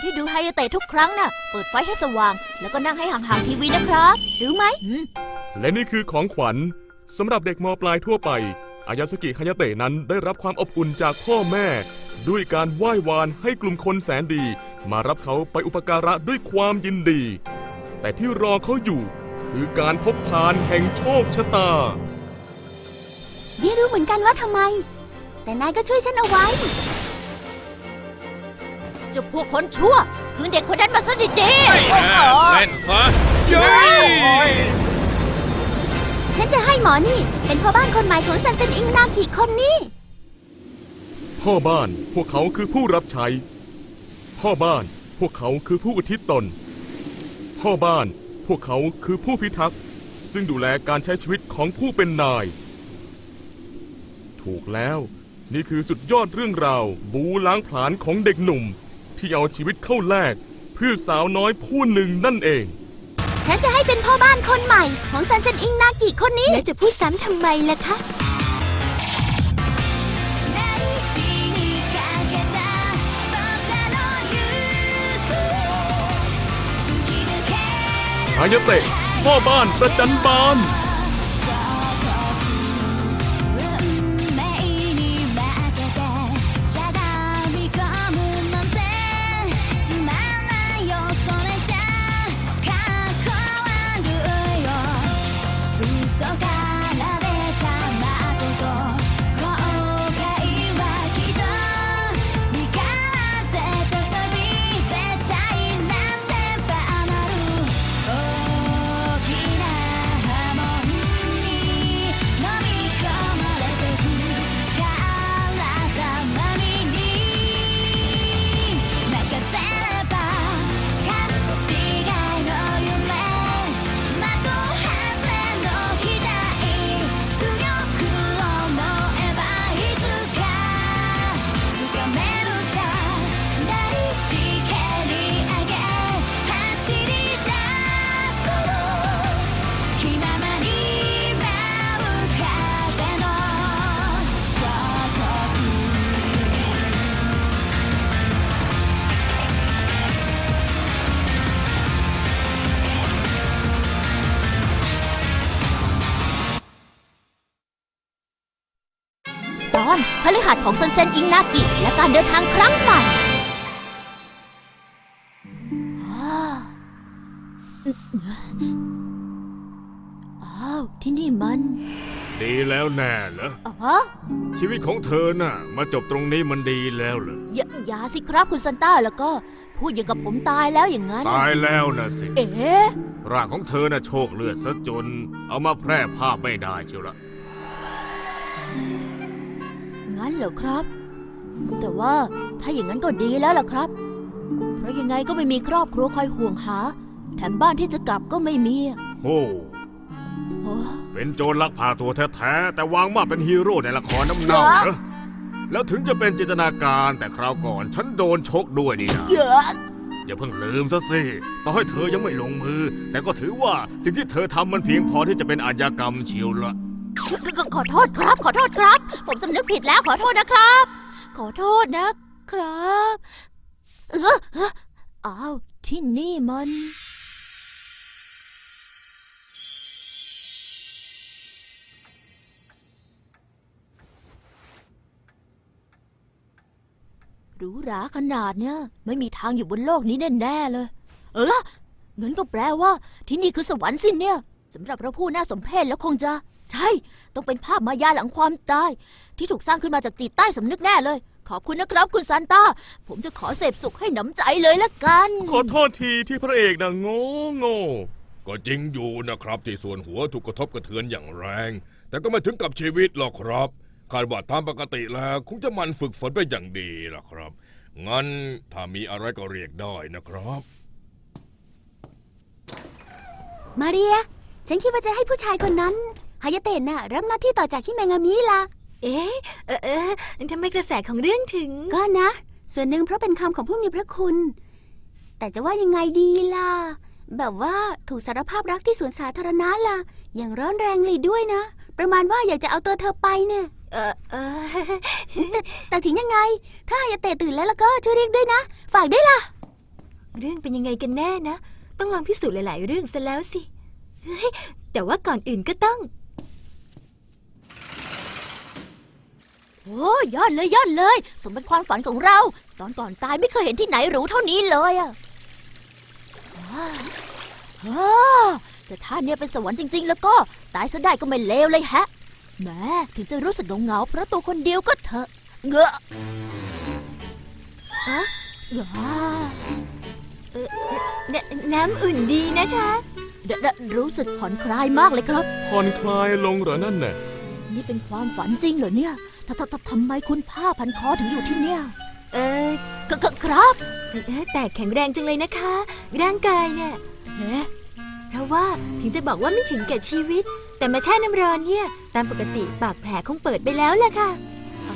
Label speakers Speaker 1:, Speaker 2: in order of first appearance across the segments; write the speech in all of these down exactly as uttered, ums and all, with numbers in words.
Speaker 1: ที่ดูไฮยาเตะทุกครั้งน่ะเปิดไฟให้สว่างแล้วก็นั่งให้ห่างๆทีวีนะครับรู้ไหม
Speaker 2: และนี่คือของขวัญสำหรับเด็กม.ปลายทั่วไปอายาสกิไฮยาเตะนั้นได้รับความอบอุ่นจากพ่อแม่ด้วยการไหว้วานให้กลุ่มคนแสนดีมารับเขาไปอุปการะด้วยความยินดีแต่ที่รอเขาอยู่คือการพบพานแห่งโชคชะตา
Speaker 3: ไม่รู้เหมือนกันว่าทำไมแต่นายก็ช่วยฉันเอาไว้
Speaker 1: เจ้าพวกคนชั่วคืนเด็กคนนั้นมาซะดี
Speaker 4: ๆเล่นซะเย้
Speaker 3: ฉันจะให้หมอนี่เป็นพ่อบ้านคนใหม่ของซันเซ็นอิงนากิคนนี้
Speaker 2: พ่อบ้านพวกเขาคือผู้รับใช้พ่อบ้านพวกเขาคือผู้อุทิศตนพ่อบ้านพวกเขาคือผู้พิทักษ์ซึ่งดูแลการใช้ชีวิตของผู้เป็นนายถูกแล้วนี่คือสุดยอดเรื่องราวบูล้างผลาญของเด็กหนุ่มที่เอาชีวิตเข้าแลกเพื่อสาวน้อยผู้หนึ่งนั่นเอง
Speaker 3: ฉันจะให้เป็นพ่อบ้านคนใหม่ของซันเซ็นอิงนากิคนนี้แล้วจะพูดซ้ำทำไมล่ะคะ
Speaker 2: ฮายาเตะพ่อบ้านประจันบาน
Speaker 1: ตอนพฤหัสของซันเซ็นอิงนากิและการเดินทางครั้งใหม่อ้าวที่นี่มัน
Speaker 4: ดีแล้วแน่เหรอชีวิตของเธอน่ะมาจบตรงนี้มันดีแล้วเหรอ
Speaker 1: อย่าอย่าสิครับคุณซันต้าแล้วก็พูดอย่างกับผมตายแล้วอย่างนั้น
Speaker 4: ตายแล้วนะสิ
Speaker 1: เอ๊ะ
Speaker 4: ร่างของเธอน่ะโชคเลือดซะจนเอามาแพร่ภาพไม่ได้เชียวละ
Speaker 1: งั้นเหรอครับแต่ว่าถ้าอย่างนั้นก็ดีแล้วล่ะครับเพราะยังไงก็ไม่มีครอบครัวคอยห่วงหาแถมบ้านที่จะกลับก็ไม่มี
Speaker 4: โอ้เป็นโจรลักพาตัวแท้ๆแต่วางมาเป็นฮีโร่ในละครน้ำเน่าเหรอแล้วถึงจะเป็นจินตนาการแต่คราวก่อนฉันโดนชกด้วยนี่นะอย่าเพิ่งลืมซะสิต่อให้เธอยังไม่ลงมือแต่ก็ถือว่าสิ่งที่เธอทำมันเพียงพอที่จะเป็นอาชญากรรมเชียวละ
Speaker 1: ขอโทษครับขอโทษครับผมสำนึกผิดแล้วขอโทษนะครับขอโทษนะครับเอออ้าวที่นี่มันหรูหราขนาดเนี้ยไม่มีทางอยู่บนโลกนี้แน่ๆเลยเอองั้นก็แปลว่าที่นี่คือสวรรค์สิเนี่ยสำหรับเราผู้น่าสมเพชแล้วคงจะใช่ต้องเป็นภาพมายาหลังความตายที่ถูกสร้างขึ้นมาจากจิตใต้สำนึกแน่เลยขอบคุณนะครับคุณซานต้าผมจะขอเสพสุขให้หนำใจเลยละกัน
Speaker 2: ขอโทษทีที่พระเอกนะโง่โง่
Speaker 5: ก็จริงอยู่นะครับที่ส่วนหัวถูกกระทบกระเทือนอย่างแรงแต่ก็ไม่ถึงกับชีวิตหรอกครับคาดว่าตามปกติแล้วคงจะมันฝึกฝนไปอย่างดีล่ะครับงั้นถ้ามีอะไรก็เรียกได้นะครับ
Speaker 3: มาเรียฉันคิดว่าจะให้ผู้ชายคนนั้นฮายาเตะน่ะรับหน้าที่ต่อจากฮิเมงามิล่ะ
Speaker 6: เอ๊ะเออเออทำไมกระแสของเรื่องถึง
Speaker 3: ก็นะส่วนหนึ่งเพราะเป็นคำของผู้มีพระคุณแต่จะว่ายังไงดีล่ะแบบว่าถูกสารภาพรักที่สวนสาธารณะล่ะอย่างร้อนแรงเลยด้วยนะประมาณว่าอยากจะเอาตัวเธอไปเนี่ย
Speaker 6: เออเออ
Speaker 3: แต่ถึงยังไงถ้าฮายาเตะตื่นแล้วแล้วก็ช่วยเรียกด้วยนะฝากด้วยล่ะ
Speaker 6: เรื่องเป็นยังไงกันแน่นะ ต้องลองพิสูจน์หลาย ๆ เรื่องซะแล้วสิ เฮ้ย แต่ว่าก่อนอื่นก็ต้อง
Speaker 1: โอ้ยอดเลยยอดเลย สมเป็นความฝันของเรา ตอนก่อนตายไม่เคยเห็นที่ไหนหรูเท่านี้เลยอะว้าวอ้าวแต่ถ้าเนี่ยเป็นสวรรค์จริง ๆ แล้วก็ตายซะได้ก็ไม่เลวเลยแฮะแหมถึงจะรู้สึกเหงาๆเพราะตัวคนเดียวก็เถอะเงอะอะอ้า
Speaker 6: นน้ำอุ่นดีนะคะ
Speaker 1: เดเดรู้สึกผ่อนคลายมากเลยครับ
Speaker 2: ผ่อนคลายลงเหรอนั่นน่ะ
Speaker 1: นี่เป็นความฝันจริงเหรอเนี่ยททททำไมคุณผ้าพันคอถึงอยู่ที่เนี่ย
Speaker 6: เออ
Speaker 1: กกครับ
Speaker 6: เอ่อแต่แข็งแรงจังเลยนะคะ ร่างกายเนี่ย
Speaker 1: เอ๊ะ
Speaker 6: เพราะว่าถึงจะบอกว่าไม่ถึงแก่ชีวิต แต่มาแช่น้ำร้อนเนี่ย ตามปกติปากแผลคงเปิดไปแล้วล่ะค่ะ
Speaker 1: อ๋อ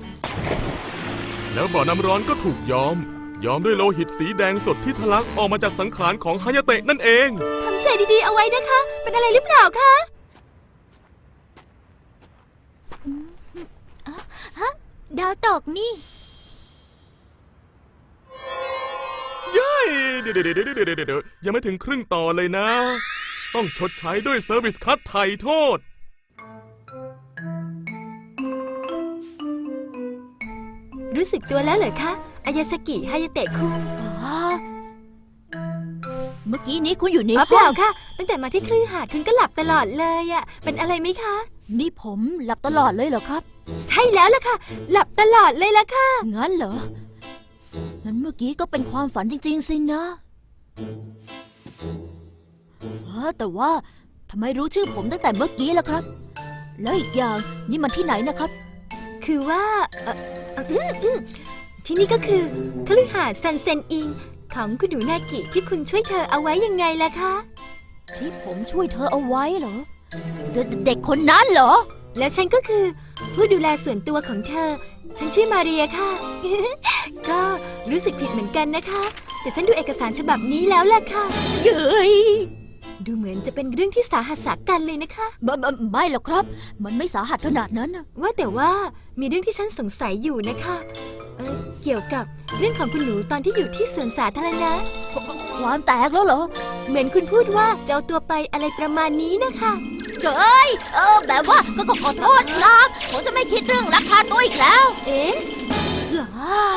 Speaker 2: แล้วบ่อน้ำร้อนก็ถูกย้อม ย้อมด้วยโลหิตสีแดงสดที่ทะลักออกมาจากสังขารของฮายาเตะนั่นเอง
Speaker 6: ทำใจดีๆเอาไว้นะคะ เป็นอะไรหรือเปล่าคะ
Speaker 1: ดาวตกนี่
Speaker 2: เย้เดี๋ยวเดี๋ยวเดี๋ยวเดี๋ยวเดี๋ยวเดี๋ยวยังไม่ถึงครึ่งต่อเลยนะ ต้องชดใช้ด้วยเซอร์วิสคัตไถ่โทษ
Speaker 6: รู้สึกตัวแล้วเหรอคะ อายาสกิฮายาเตะคุง
Speaker 1: อ๋อ เมื่อกี้นี้คุณอยู่ใน
Speaker 6: อ๋อเป
Speaker 1: ห้อ
Speaker 6: ล่าง ค่ะ ตั้งแต่มาที่คลื่นหาดคุณก็หลับตลอดเลยอะเป็นอะไรไหมคะ
Speaker 1: นี่ผมหลับตลอดเลยเหรอครับ
Speaker 6: ใช่แล้วล่ะค่ะ หลับตลอดเลยล่ะค่ะ
Speaker 1: งั้นเหรอ งั้นเมื่อกี้ก็เป็นความฝันจริงๆสินะเออแต่ว่าทำไมรู้ชื่อผมตั้งแต่เมื่อกี้ล่ะครับ แล้วอีกอย่างนี่มันที่ไหนนะครับ
Speaker 6: คือว่าเอ่อเอ่ออืมอืมที่นี่ก็คือคฤหาสน์ซันเซนอิงของคุณหนูนากิที่คุณช่วยเธอเอาไว้ยังไงล่ะคะ
Speaker 1: ที่ผมช่วยเธอเอาไว้เหรอ เดเด็กคนนั้นเหรอ
Speaker 6: แล้วฉันก็คือผู้ดูแลส่วนตัวของเธอ ฉันชื่อมาเรียค่ะ ก็รู้สึกผิดเหมือนกันนะคะ แต่ฉันดูเอกสารฉบับนี้แล้วล่ะค่ะ
Speaker 1: เย้ย
Speaker 6: ดูเหมือนจะเป็นเรื่องที่สาหัสสากันเลยนะคะ
Speaker 1: บไม่ไม่หรอกครับ มันไม่สาหัสขนาดนั้นนะ
Speaker 6: ว่าแต่ว่ามีเรื่องที่ฉันสงสัยอยู่นะคะเอ่อเกี่ยวกับเรื่องของคุณหนูตอนที่อยู่ที่สวนสาธารณะ
Speaker 1: คความแตกแล้วเหรอ
Speaker 6: เหมือนคุณพูดว่าจะเอาตัวไปอะไรประมาณนี้นะคะ
Speaker 1: เฮ้ย เออ แบบว่าก็ก็ขอโทษครับ ผมจะไม่คิดเรื่องราคาตัวอีกแล้ว
Speaker 6: เอ๊ะ
Speaker 1: อ้า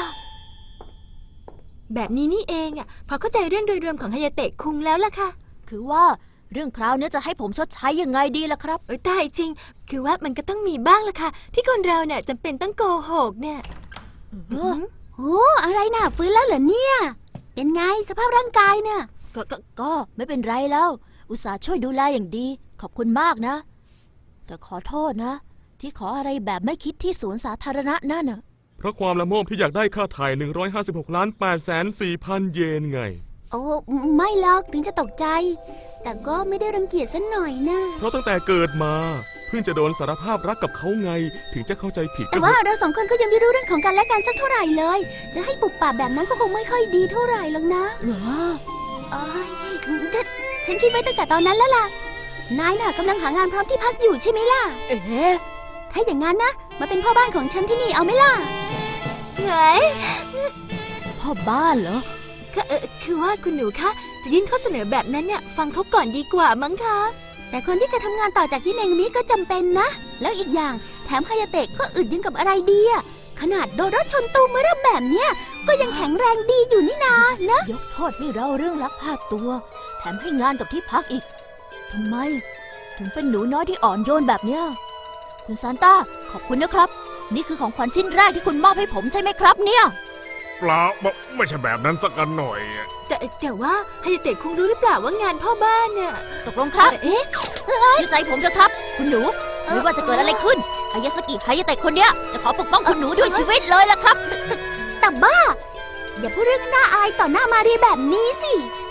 Speaker 6: แบบนี้นี่เองอ่ะพอเข้าใจเรื่องโดยรวมของฮายาเตะคุงแล้วล่ะค่ะ
Speaker 1: คือว่าเรื่องคราวเนี้ยจะให้ผมชดใช้ยังไงดีล่ะครับ
Speaker 6: เอ้ยตายจริง คือว่ามันก็ต้องมีบ้างล่ะค่ะ ที่คนเราเนี่ยจำเป็นต้องโกหกเนี่ย
Speaker 1: เออ
Speaker 3: โอ้อะไรน่ะฟื้นแล้วเหรอเนี่ย เป็นไงสภาพร่างกายเนี่ย
Speaker 1: ก็ก็ก็ไม่เป็นไรแล้ว อุตส่าห์ช่วยดูแลอย่างดี ขอบคุณมากนะ แต่ขอโทษนะ ที่ขออะไรแบบไม่คิดที่สวนสาธารณะนั่นน่ะ
Speaker 2: เพราะความละโมบที่อยากได้ค่าไถ่หนึ่งร้อยห้าสิบหกล้านแปดแสนสี่พันเยนไง
Speaker 3: โอ้ไม่หรอกถึงจะตกใจ แต่ก็ไม่ได้รังเกียจสักหน่อยนะ
Speaker 2: เพราะตั้งแต่เกิดมา เพิ่งจะโดนสารภาพรักกับเขาไง ถึงจะเข้าใจผิด
Speaker 3: แต่ว่าเราสองคนก็ยังไม่รู้เรื่องของกันและกันสักเท่าไหร่เลย จะให้ปุบปับแบบนั้นก็คงไม่ค่อยดีเท่าไหร่หรอกนะ
Speaker 1: เหรอ
Speaker 3: เอ้ยฉันฉันคิดไว้ตั้งแต่ตอนนั้นแล้วล่ะ นายน่ะกำลังหางานพร้อมที่พักอยู่ใช่ไหมล่ะ
Speaker 1: เอ๊ะ
Speaker 3: ถ้าอย่างนั้นนะ มาเป็นพ่อบ้านของฉันที่นี่เอาไหมล่ะ
Speaker 6: เฮ้ย
Speaker 1: พ่อบ้านเหรอ
Speaker 6: ก็เออคือว่าคุณหนูคะจะยื่นข้อเสนอแบบนั้นเนี่ยฟังเขาก่อนดีกว่ามั้งคะ
Speaker 3: แต่คนที่จะทำงานต่อจากฮิเนงมิก็จำเป็นนะ แล้วอีกอย่างแถมฮายาเตะก็อึดยังกับอะไรดีอะขนาดโดนรถชนตูมเมื่อเริ่มแบบเนี้ยก็ยังแข็งแรงดีอยู่นี่นานะ
Speaker 1: ยกโทษให้เราเรื่องลักพาตัว แถมให้งานกับที่พักอีก ทำไม ถึงเป็นหนูน้อยที่อ่อนโยนแบบเนี้ย คุณซานต้า ขอบคุณนะครับ นี่คือของขวัญชิ้นแรกที่คุณมอบให้ผมใช่ไหมครับเนี่ย
Speaker 4: เปล่าไม่ไม่ใช่แบบนั้นสักกันหน่อย
Speaker 6: แต่แต่ว่าฮายาเตะคุงรู้หรือเปล่าว่างานพ่อบ้านเนี่ย
Speaker 1: ตกลงครับ
Speaker 6: เอ๊ะ
Speaker 1: เชื่อใจผมเถอะครับ คุณหนู ไม่ว่าจะเกิดอะไรขึ้นอายาสกิฮายาเตะคนเนี้ยจะขอปกป้องคุณหนูด้วยชีวิตเลยล่ะครับ
Speaker 3: แต่บ้า อย่าพูดเรื่องน่าอายต่อหน้ามารีแบบนี้สิ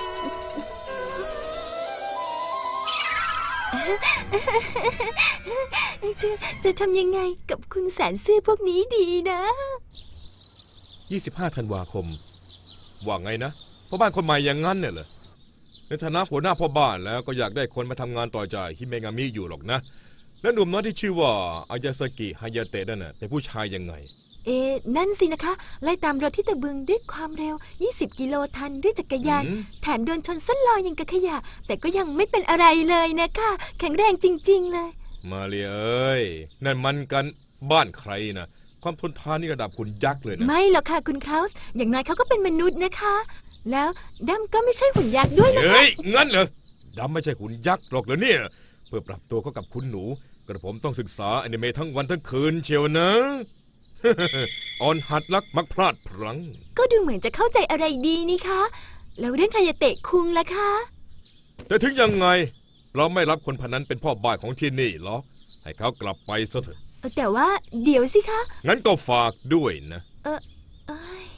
Speaker 6: จะจะทำยังไงกับคุณแสนซื่อพวกนี้ดีนะ
Speaker 5: ยี่สิบห้าธันวาคม ว่าไงนะพ่อบ้านคนใหม่อย่างงั้นเนี่ยเหรอในฐานะหัวหน้าพ่อบ้านแล้วก็อยากได้คนมาทำงานต่อจากฮิเมงามิอยู่หรอกนะ และหนุ่มน้อยที่ชื่อว่าอายาสกิฮายาเตะนั่นน่ะเป็นผู้ชายยังไง
Speaker 6: เอ๊ะนั่นสินะคะ ไล่ตามรถที่ตะบึงด้วยความเร็ว ยี่สิบ กิโลทันด้วยจักรยาน
Speaker 5: อืม
Speaker 6: แถมโดนชนส้นลอยอย่างกับขยะ แต่ก็ยังไม่เป็นอะไรเลยนะคะ แข็งแรงจริง ๆ เลย
Speaker 5: มาเรียเอ้ย นั่นมันกันบ้านใครนะความทนทานนี่ระดับคุณยักษ์เลยนะ
Speaker 6: ไม่หรอกค่ะคุณคลาวส์อย่างน้อยเขาก็เป็นมนุษย์นะคะ แล้วดัมก็ไม่ใช่หุ่นยักษ์ด้วยนะคะ
Speaker 5: เฮ้ย งั้นเหรอดำไม่ใช่ขุนยักษ์หรอกเหรอเนี่ย เพื่อปรับตัวเข้ากับคุณหนู กระผมต้องศึกษาอนิเมะทั้งวันทั้งคืนเชียวนะ อ่อนหัดรักมักพลาดพลั้ง
Speaker 6: ก็ดูเหมือนจะเข้าใจอะไรดีนี่คะ แล้วเรื่องคายาเตะคุงล่ะคะ
Speaker 5: แต่ถึงยังไง เราไม่รับคนพนนั้นเป็นพ่อบ้านของที่นี่หรอกให้เขากลับไปซะเถอะ
Speaker 6: แต่ว่าเดี๋ยวสิคะ
Speaker 5: งั้นก็ฝากด้วยนะ
Speaker 6: เออเอ้ย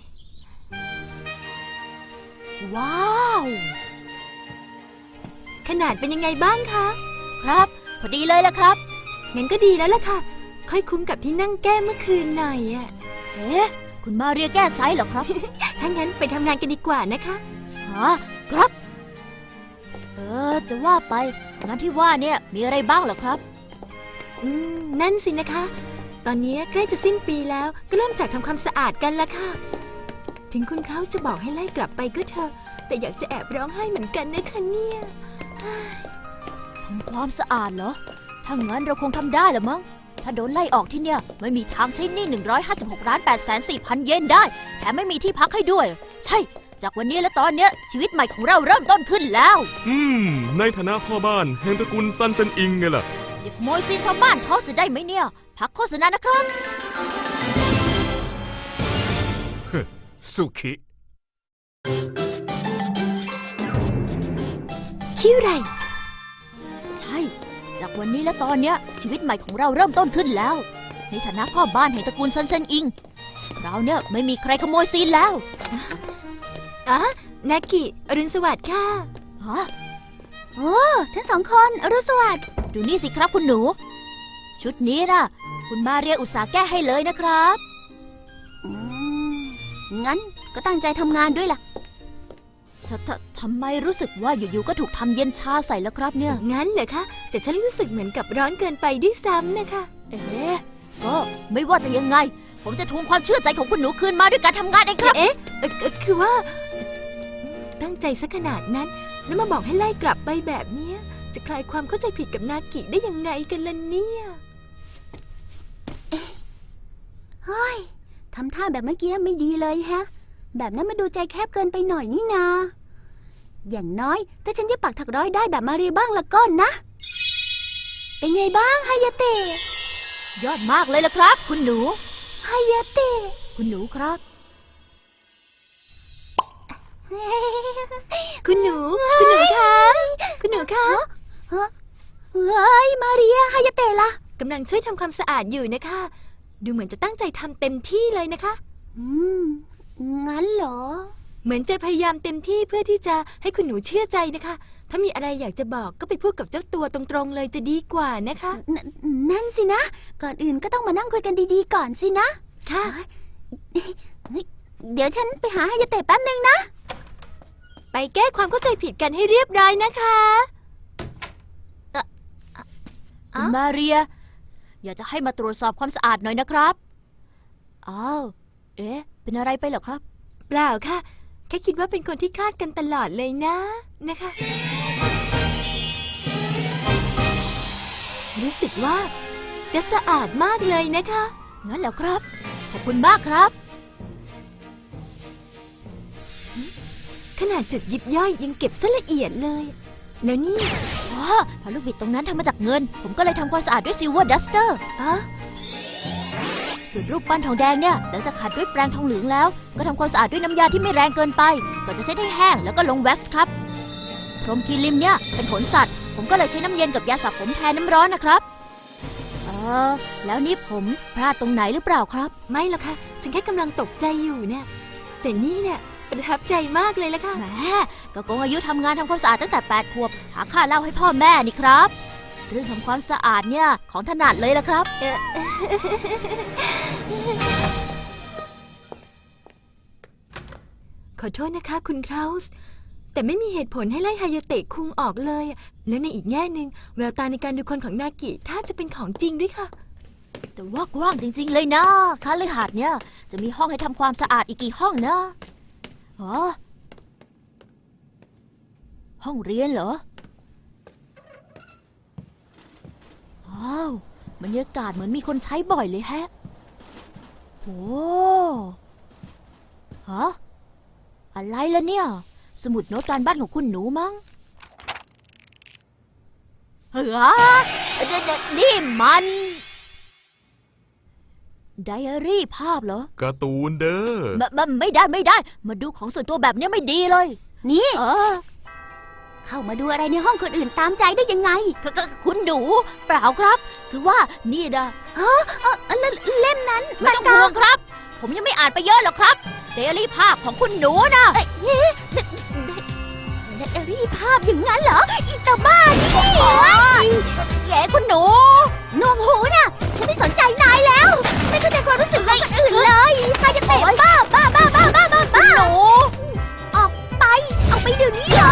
Speaker 1: ว้าว
Speaker 6: ขนาดเป็นยังไงบ้างคะ
Speaker 1: ครับ พอดีเลยละครับ
Speaker 6: งั้นก็ดีแล้วล่ะค่ะ ค่อยคุ้มกับที่นั่งแก้เมื่อคืนหน่อยอะ
Speaker 1: เอ๊ะ คุณมาเรียแก้ไซส์เหรอครับ
Speaker 6: ถ้างั้นไปทำงานกันดีกว่านะคะ
Speaker 1: ฮะครับ เออ จะว่าไปงานที่ว่าเนี่ยมีอะไรบ้างเหรอครับ
Speaker 6: อืม นั่นสินะคะ ตอนนี้ใกล้จะสิ้นปีแล้ว ก็เริ่มจากทำความสะอาดกันละค่ะ ถึงคุณเขาจะบอกให้ไล่กลับไปก็เถอะ แต่อยากจะแอบร้องไห้เหมือนกันนะคะเนี่ย
Speaker 1: ทำความสะอาดเหรอ ถ้างั้นเราคงทำได้ละมั้ง ถ้าโดนไล่ออกที่เนี่ยไม่มีทางใช้หนี้หนึ่งร้อยห้าสิบหกล้านแปดแสนสี่พันเยนได้ แถมไม่มีที่พักให้ด้วย ใช่ จากวันนี้และตอนเนี้ยชีวิตใหม่ของเราเริ่มต้นขึ้นแล้ว
Speaker 2: อืม ในฐานะพ่อบ้านแห่งตระกูลซันเซนอิงไงล่ะ
Speaker 1: อย่าขโมยซีนชาวบ้านเขาจะได้ไหมเนี่ย พักโฆษณานะครับ
Speaker 4: สุขิ
Speaker 6: คิวไร
Speaker 1: ใช่ จากวันนี้และตอนเนี้ยชีวิตใหม่ของเราเริ่มต้นขึ้นแล้ว ในฐานะพ่อบ้านแห่งตระกูลซันเซนอิง เราเนี่ยไม่มีใครขโมยซีนแล้ว
Speaker 6: อ่ะนากิอรุณสวัสดิ์ค่ะ
Speaker 1: ฮะ
Speaker 3: โอ้ทั้งสองคนอรุณสวัสดิ์
Speaker 1: ดูนี่สิครับคุณหนู ชุดนี้นะคุณมาเรียอุตสาห์แก้ให้เลยนะครับ
Speaker 3: อืมงั้นก็ตั้งใจทำงานด้วยล่ะ
Speaker 1: ทททำไมรู้สึกว่าอยู่ๆก็ถูกทำเย็นชาใส่แล้วครับเนี่ย
Speaker 6: งั้นเหรอคะ แต่ฉันรู้สึกเหมือนกับร้อนเกินไปด้วยซ้ำนะคะ
Speaker 1: เอ๊ะก็ไม่ว่าจะยังไง ผมจะทวงความเชื่อใจของคุณหนูคืนมาด้วยการทำงานเองครับ
Speaker 6: เอ๊ะเอ่อเอ่อคือว่า ตั้งใจซะขนาดนั้น แล้วมาบอกให้ไล่กลับไปแบบเนี้ย จะคลายความเข้าใจผิดกับนากิได้ยังไงกันล่ะเนี่ย
Speaker 3: เฮ้ย ทำท่าแบบเมื่อกี้ไม่ดีเลยแฮะ แบบนั้นมาดูใจแคบเกินไปหน่อยนี่นา อย่างน้อยถ้าฉันจะปักถักร้อยได้แบบมาเรียบ้างละก็นะ เป็นไงบ้างไฮยาเตะ
Speaker 1: ยอดมากเลยละครับ คุณหนู
Speaker 3: ไฮยาเตะ
Speaker 1: คุณหนูครับ
Speaker 6: คุณหนู คุณหนูคะ คุณหนูคะ
Speaker 3: เฮ้ย มาเรียไฮยาเตะล่ะ
Speaker 6: กำลังช่วยทำความสะอาดอยู่นะคะ ดูเหมือนจะตั้งใจทำเต็มที่เลยนะคะ
Speaker 3: อืม งั้นเหรอ
Speaker 6: เหมือนจะพยายามเต็มที่เพื่อที่จะให้คุณหนูเชื่อใจนะคะ ถ้ามีอะไรอยากจะบอกก็ไปพูดกับเจ้าตัวตรงๆเลยจะดีกว่านะคะ
Speaker 3: นนั่นสินะ ก่อนอื่นก็ต้องมานั่งคุยกันดีๆก่อนสินะ
Speaker 6: ค่ะ
Speaker 3: เฮ้ยเดี๋ยวฉันไปหาไฮยาเตะแป๊บนึงนะ
Speaker 6: ไปแก้ความเข้าใจผิดกันให้เรียบร้อยนะคะ
Speaker 1: คุณมาเรีย อยากจะให้มาตรวจสอบความสะอาดหน่อยนะครับ อ้าว เอ๊ะ เป็นอะไรไปเหรอครับ
Speaker 6: เปล่าค่ะ แค่คิดว่าเป็นคนที่คลาดกันตลอดเลยนะนะคะ รู้สึกว่าจะสะอาดมากเลยนะคะ
Speaker 1: งั้นแล้วครับ ขอบคุณมากครับ
Speaker 6: ขนาดจุดยิบย่อยยังเก็บซะละเอียดเลย แล้วนี่
Speaker 1: อ๋อพอลูกบิดตรงนั้นทำมาจากเงิน ผมก็เลยทำความสะอาดด้วยซิลเวอร์ดัสเตอร์
Speaker 6: อะ
Speaker 1: ส่วนรูปปั้นทองแดงเนี่ย หลังจากขัดด้วยแปรงทองเหลืองแล้ว ก็ทำความสะอาดด้วยน้ำยาที่ไม่แรงเกินไป ก่อนจะเช็ดให้แห้งแล้วก็ลงแว็กซ์ครับ พรมคีริมเนี่ยเป็นขนสัตว์ ผมก็เลยใช้น้ำเย็นกับยาสระผมแทนน้ำร้อนนะครับ เออ แล้วนี่ผมพลาดตรงไหนหรือเปล่าครับ
Speaker 6: ไม่หรอกค่ะ ฉันแค่กำลังตกใจอยู่เนี่ย แต่นี่เนี่ยประทับใจมากเลยละค่ะ
Speaker 1: แหมก็โกงอายุทำงานทำความสะอาดตั้งแต่แปดขวบ หาค่าเหล้าให้พ่อแม่นี่ครับ เรื่องทำความสะอาดเนี่ยของถนัดเลยละครับ
Speaker 6: เอ่อ ขอโทษนะคะคุณคราวส์แต่ไม่มีเหตุผลให้ไล่ไฮายาเตะคุงออกเลย แล้วในอีกแง่หนึ่งแววตาในการดูคนของนากิถ้าจะเป็นของจริงด้วยค่ะ
Speaker 1: แต่ว่ากว้างจริงๆเลยนะคฤหาสน์เนี่ยจะมีห้องให้ทำความสะอาดอีกกี่ห้องนะฮะห้องเรียนเหรอว้าวบรรยากาศเหมือนมีคนใช้บ่อยเลยแฮะโอ้ฮะอะไรล่ะเนี่ยสมุดโน้ตการบ้านของคุณหนูมั้งเฮ้ยนี่มันไดอารี่ภาพเหรอ
Speaker 2: การ์ตูนเด้อ
Speaker 1: มมไม่ได้ไม่ได้ มาดูของส่วนตัวแบบเนี้ยไม่ดีเลย
Speaker 3: นี่
Speaker 1: เออ
Speaker 3: เข้ามาดูอะไรในห้องคนอื่นตามใจได้ยังไง
Speaker 1: คคคุณหนูเปล่าครับ คือว่านี่นะ
Speaker 3: เออเล่เล่มนั้น
Speaker 1: ไม่ต้องห่วงครับ ผมยังไม่อ่านไปเยอะหรอกครับไดอารี่ภาพของคุณหนูนะ
Speaker 3: ไดอารี่ภาพอย่างนั้นเหรออีตาบ้านี่
Speaker 1: แย่คุณหนู
Speaker 3: หนวกหูน่ะ ฉันไม่สนใจนายแล้ว ไม่เข้าใจความรู้สึกของคนอื่นเลยใครจะเตะบ้าบ้าบ้าบ้าบ้าบ้าบ้า
Speaker 1: หนู
Speaker 3: ออกไปออกไปเดี๋ยวนี้เลย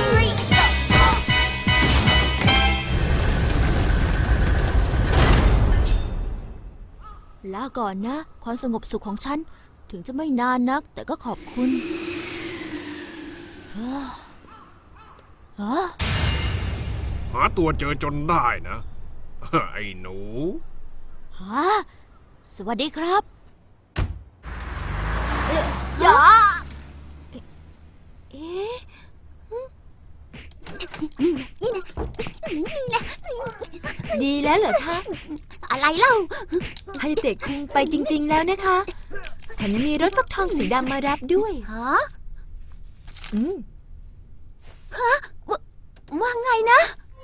Speaker 1: ลาก่อนนะ ความสงบสุขของฉัน ถึงจะไม่นานนัก แต่ก็ขอบคุณเฮ้อเฮ้อ
Speaker 4: หาตัวเจอจนได้นะ ไอ้หนู
Speaker 1: ฮะสวัสดีครับเอ๊ะอย่าเอ๊ะ
Speaker 3: นี่นะนี่นะนี่นะ
Speaker 6: ดีแล้วเหรอคะ
Speaker 3: อะไรเล่า
Speaker 6: ฮายาเตะคุงไปจริง ๆ แล้วนะคะแถมยังมีรถฟักทองสีดำมารับด้วย
Speaker 3: ฮะ
Speaker 6: อืม
Speaker 3: ว่าไงนะ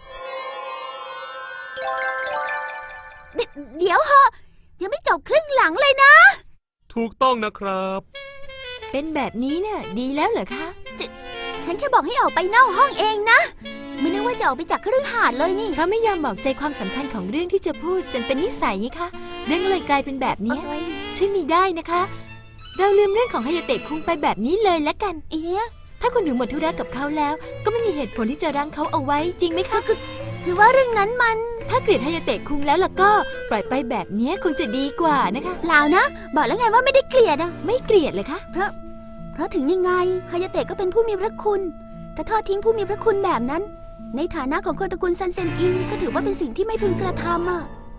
Speaker 3: เดเดี๋ยวเหอะยังไม่จบครึ่งหลังเลยนะ
Speaker 2: ถูกต้องนะครับ
Speaker 6: เป็นแบบนี้น่ะดีแล้วเหรอคะ
Speaker 3: ฉันแค่บอกให้ออกไปนอกห้องเองนะ ไม่นึกว่าจะออกไปจากคฤหาสน์เลยนี่
Speaker 6: เพราะไม่ยอมบอกใจความสำคัญของเรื่องที่จะพูดจนเป็นนิสัยไงคะเรื่องเลยกลายเป็นแบบนี้ช่วยมีได้นะคะ เราลืมเรื่องของฮายาเตะคุงไปแบบนี้เลยละกัน
Speaker 3: เอ๊ะ
Speaker 6: ถ้าคุณหนูหมดธุระกับเขาแล้ว ก็ไม่มีเหตุผลที่จะรั้งเขาเอาไว้จริงไหมคะ
Speaker 3: คือว่าเรื่องนั้นมัน
Speaker 6: ถ้าเกลียดฮายาเตะคุงแล้วล่ะก็ปล่อยไปแบบนี้คงจะดีกว่านะคะ
Speaker 3: เปล่านะ บอกแล้วไงว่าไม่ได้เกลียดอะ
Speaker 6: ไม่เกลียดเลยคะ
Speaker 3: เพราะ เพราะถึงยังไงฮายาเตะก็เป็นผู้มีพระคุณแต่ทอดทิ้งผู้มีพระคุณแบบนั้น ในฐานะของคนตระกูลซันเซนอิงก็ถือว่าเป็นสิ่งที่ไม่พึงกระทำอะ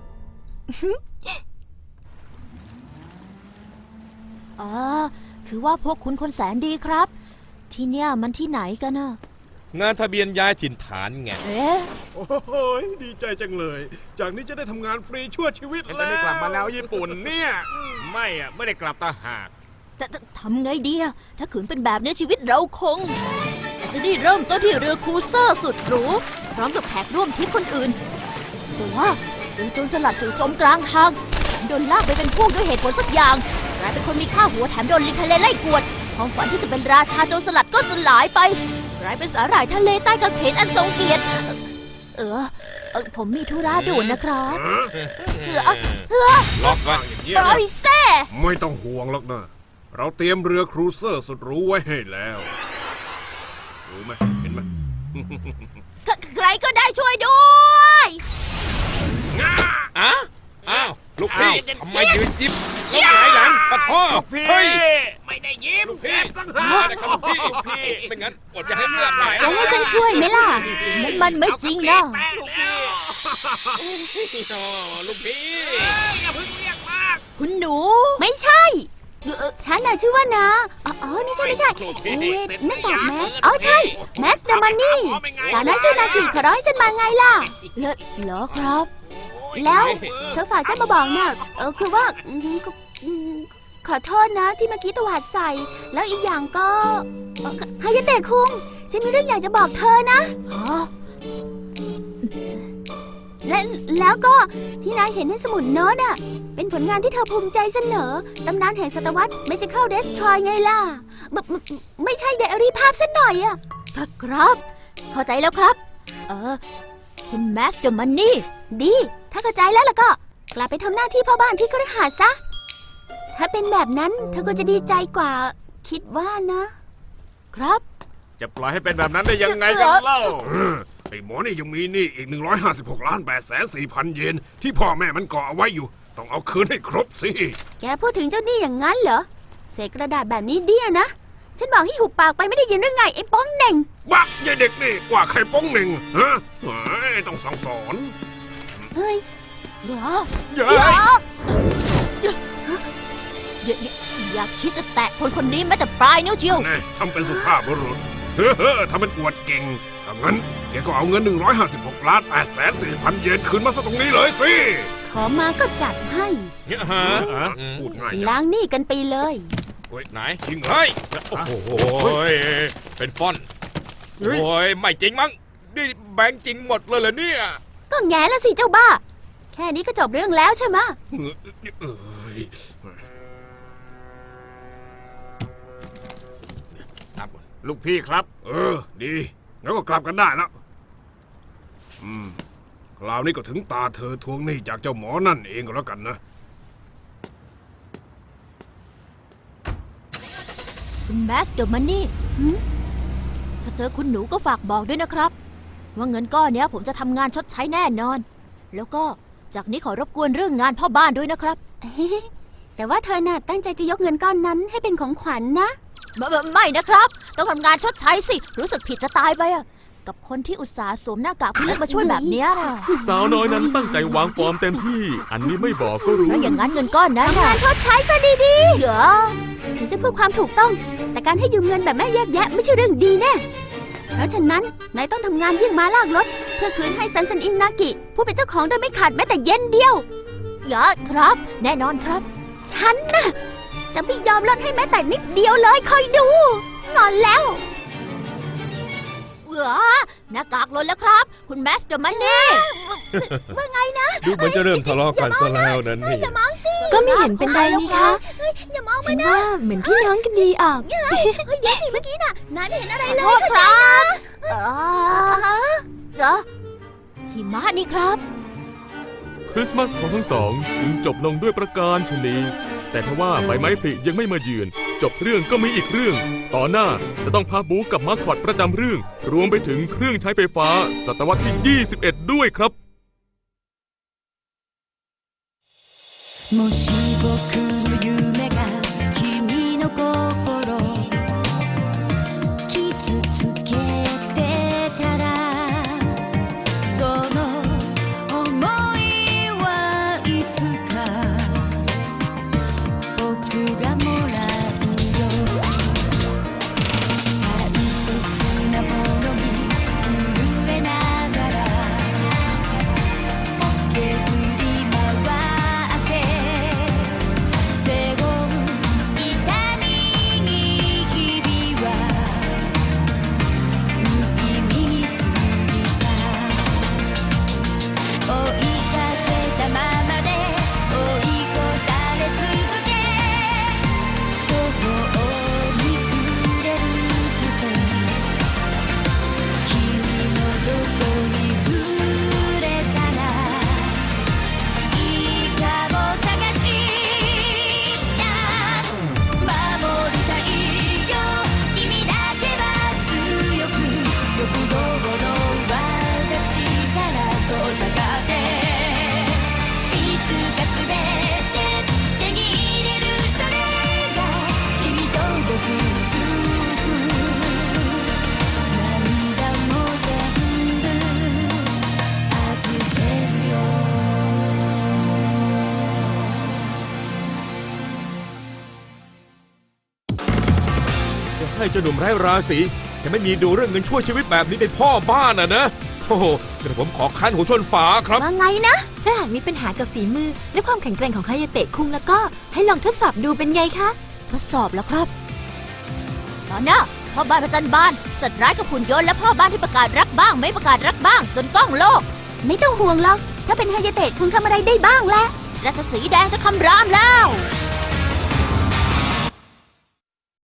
Speaker 1: อ๋อคือว่าพวกคุณคนแสนดีครับ ที่เนี่ยมันที่ไหนกันนะ
Speaker 5: งานทะเบียนย้ายถิ่นฐานไง
Speaker 1: เอ๊ะ
Speaker 4: โอ้โหดีใจจังเลย จากนี้จะได้ทำงานฟรีชั่วชีวิต
Speaker 7: ฉัน
Speaker 4: แล้ว
Speaker 7: จะได้กลับมาแล้วญี่ปุ่นเนี่ย
Speaker 4: ไม่อะไม่ได้กลับตาหาก
Speaker 1: แต่แต่ทำไงดีอะถ้าขืนเป็นแบบนี้ชีวิตเราคง จะได้เริ่มต้นที่เรือครูเซอร์สุดหรูพร้อมกับแขกร่วมทริปคนอื่น แต่ว่าเจอโจรสลัดจู่โจมกลางทางโดนลากไปเป็นพวกด้วยเหตุผลสักอย่างกลายเป็นคนมีค่าหัวแถมโดนลิงทะเลไล่กวดความฝันที่จะเป็นราชาโจรสลัดก็สลายไปกลายเป็นสาหร่ายทะเลใต้กางเขนอันทรงเกียรติ เออเออผมมีธุระด่วนนะครับเออเออ
Speaker 5: ล็อกไว้
Speaker 4: อย่างเงี้ย
Speaker 1: ปล่อยแซ่
Speaker 4: ไม่ต้องห่วงหรอกนะ เราเตรียมเรือครูเซอร์สุดหรู้ไว้ให้แล้วรู้ไหมเห็นไหม
Speaker 1: ใครใครก็ได้ช่วยด้วย
Speaker 5: อ้าวอ้าวลูกพี่ทำไมยืนยิ้มแล้วหงายหลังปะท้อเฮ้ย
Speaker 7: ไม่ได้ยิ้ม
Speaker 5: ลูกพี่
Speaker 7: เจ็บตั้งหา
Speaker 5: มาเลยครับลูกพี่ลูกพี่ไม่งั้นอดจะให้เลือดไหล
Speaker 3: จะให้ฉันช่วยไหมล่ะ
Speaker 1: มันมันไม่จริงนะ
Speaker 7: แป้งแล้ว
Speaker 5: ลูกพี่
Speaker 7: อย่าเพิ่งเรียกมาก
Speaker 1: คุณหนู
Speaker 3: ไม่ใช่เอ่อฉันน่ะชื่อว่านาอ๋ออ๋อไม่ใช่ไม่ใช่เอ๊ะหน้ากากแมสอ๋อใช่แมสเดอะมันนี่สาวน้อยชื่อนากิขอร้องให้ฉันมาไงล่ะ
Speaker 1: เลอะเหรอครับ
Speaker 3: แล้วเธอฝากฉันมาบอกน่ะเออคือว่าอืมก็อืมขอโทษนะที่เมื่อกี้ตวาดใส่ แล้วอีกอย่างก็เอ่อฮายาเตะคุงฉันมีเรื่องอยากจะบอกเธอนะ
Speaker 1: ฮะ
Speaker 3: และแล้วก็ที่นายเห็นในสมุดโน้ตอ่ะ เป็นผลงานที่เธอภูมิใจเสนอ ตำนานแห่งศตวรรษ Magical Destroy ไงล่ะบไม่ไม่ใช่ไดอารี่ภาพซะหน่อยอ่ะ
Speaker 1: ครับ เข้าใจแล้วครับ เออคุณแมสเดอร์มันนี่
Speaker 3: ดี ถ้าเข้าใจแล้วล่ะก็ กลับไปทำหน้าที่พ่อบ้านที่คฤหาสน์ซะ ถ้าเป็นแบบนั้นเธอก็จะดีใจกว่า คิดว่านะ
Speaker 1: ครับ
Speaker 4: จะปล่อยให้เป็นแบบนั้นได้ยังไงกันเล่าไอ้หมอนี่ยังมีหนี่อีก หนึ่งร้อยห้าสิบหกล้านแปดแสนสี่พัน เยนที่พ่อแม่มันก่อเอาไว้อยู่ต้องเอาคืนให้ครบสิ
Speaker 3: แกพูดถึงเจ้าหนี้อย่างนั้นเหรอเศษกระดาษแบบนี้เดี้ยนะ ฉันบอกให้หุบปากไปไม่ได้ยินหรือไงไอ้ป้องเหน่ง
Speaker 4: บ้ายายเด็กนี่ว่าใครป้องหนึ่งฮะเฮ้ยต้องสั่งสอน
Speaker 3: เฮ้ย
Speaker 1: เหรอ
Speaker 4: อย่า
Speaker 1: อย่าอย่าอย่าคิดจะแตะคนคนนี้แม้แต่ปลายนิ้วเชียว
Speaker 4: แน่ทำเป็นสุภาพบุรุษเฮ้อเฮ้อทำเป็นอวดเก่งถ้างั้นแกก็เอาเงินหนึ่งร้อยห้าสิบหกล้านแปดแสนสี่พันเยนคืนมาซะตรงนี้เลยสิ
Speaker 3: ขอมาก็จัดให้
Speaker 5: เนี่ยฮะ
Speaker 4: ฮะ
Speaker 5: อืม
Speaker 4: พูดง่ายจัง
Speaker 3: ล้างหนี้กันไปเลย
Speaker 4: เฮ้ย
Speaker 5: ไหน
Speaker 4: จริงเหรอ
Speaker 5: เฮ้ยโอ้โหเป็นฟอนต์
Speaker 4: เฮ้ย
Speaker 5: โอ้ยไม่จริงมั้งนี่แบงค์จริงหมดเลยเหรอเนี่ย
Speaker 3: ก็แง่ละสิเจ้าบ้า แค่นี้ก็จบเรื่องแล้วใช่ไหมะ
Speaker 4: เอ้ย
Speaker 5: ครับ
Speaker 4: ลูกพี่ครับ เออ ดีงั้นก็กลับกันได้แล้ว อืม คราวนี้ก็ถึงตาเธอทวงหนี้จากเจ้าหมอนั่นเองก็แล้วกันนะ
Speaker 1: คุณแมสเดอร์มันนี่ถ้าเจอคุณหนูก็ฝากบอกด้วยนะครับ ว่าเงินก้อนเนี้ยผมจะทำงานชดใช้แน่นอน แล้วก็จากนี้ขอรบกวนเรื่องงานพ่อบ้านด้วยนะครับ
Speaker 3: แต่ว่าเธอน่ะตั้งใจจะยกเงินก้อนนั้นให้เป็นของขวัญนะ
Speaker 1: ไม่ไม่ไม่นะครับ ต้องทำงานชดใช้สิ รู้สึกผิดจะตายไปอะกับคนที่อุตส่าห์สวมหน้ากากพี่เล็กมาช่วยแบบเนี้ยนะ
Speaker 2: สาวน้อยนั้นตั้งใจวางฟอร์มเต็มที่ อันนี้ไม่บอกก็รู้
Speaker 1: แล้วอย่างนั้นเงินก้อนนั้น
Speaker 3: ทำ
Speaker 1: น่ะ
Speaker 3: งานชดใช้ซะดี
Speaker 1: เหรอ
Speaker 3: ๆ ถึงจะเพื่อความถูกต้อง แต่การให้ยืมเงินแบบแม่แยกแยะไม่ใช่เรื่องดีแน่ เพราะฉะนั้นนายต้องทำงานยิ่งมาลากรถเพื่อคืนให้ซันซันอิงนากิ ผู้เป็นเจ้าของโดยไม่ขาดแม้แต่เย็นเดียว
Speaker 1: เหรอครับ แน่นอนครับ
Speaker 3: ฉันน่ะจะไม่ยอมลดให้แม้แต่นิดเดียวเลยคอยดูงอนแล้ว
Speaker 1: เหรอหน้ากากหล่นแล้วครับ คุณแมสเดอร์มันนี่
Speaker 3: ว่าไงนะ
Speaker 5: ดูเหมือนจะเริ่มทะเลาะกันซะแล้วนั่นนี่
Speaker 3: อย่ามองสิ
Speaker 6: ก็ไม่เห็นเป็นไรนี่คะ
Speaker 3: อย่ามอง
Speaker 6: ฉั
Speaker 3: มาน นะ
Speaker 6: ว่าเหมือนพี่น้องกันดีออก
Speaker 3: เฮ้ยเดี๋ยวสิเมื่อกี้น่ะนายไม่เห็นอะไรเล
Speaker 1: โท
Speaker 3: ย
Speaker 1: ษครับเออเหรอหิมะนี่ครับ
Speaker 2: คริสต์มาสของทั้งสองจึงจบลงด้วยประการชนีแต่ทว่าใบไม้ผลิยังไม่มาเยือน จบเรื่องก็มีอีกเรื่อง ต่อหน้าจะต้องพาบูกับมาสคอตประจำเรื่อง รวมไปถึงเครื่องใช้ไฟฟ้า ศตวรรษที่ ยี่สิบเอ็ด ด้วยครับ
Speaker 8: もし僕の夢が君の心傷つけてたらその想いはいつか僕がもらうよ大切なものに震えながら削り回って背負う痛みに日々は無意味に過ぎた追いかけたままで追い越され続け途方に暮れる風君のどこに触れたらいいかも探した守りたいよ君だけは強く欲望の輪が力と下がっていつか全て手に入れるそれが君と僕の夫婦涙も全部預けるよ
Speaker 5: จะให้เจ้าหนุ่มไร้ราศีแต่ไม่มีดูเรื่องเงินช่วยชีวิตแบบนี้เป็นพ่อบ้านอ่ะนะโอ้โหเดี๋ยวผมขอคันหัวชนฝาครับ
Speaker 3: ว่าไงนะ
Speaker 6: ถ้าหากมีปัญหากับฝีมือ และความแข็งแกร่งของคายาเตะคุงแล้วก็ให้ลองทดสอบดูเป็นไงคะ
Speaker 1: ทดสอบแล้วครับ ตอนหน้าพ่อบ้านประจันบานสัตว์ร้ายกับหุ่นยนต์และพ่อบ้านที่ประกาศรักบ้างไม่ประกาศรักบ้าง จนกล้องโลก
Speaker 3: ไม่ต้องห่วงหรอก ถ้าเป็นฮายาเตะคงทำอะไรได้บ้างแหละ
Speaker 1: ราชสีห์แดงจะคำรามแล้ว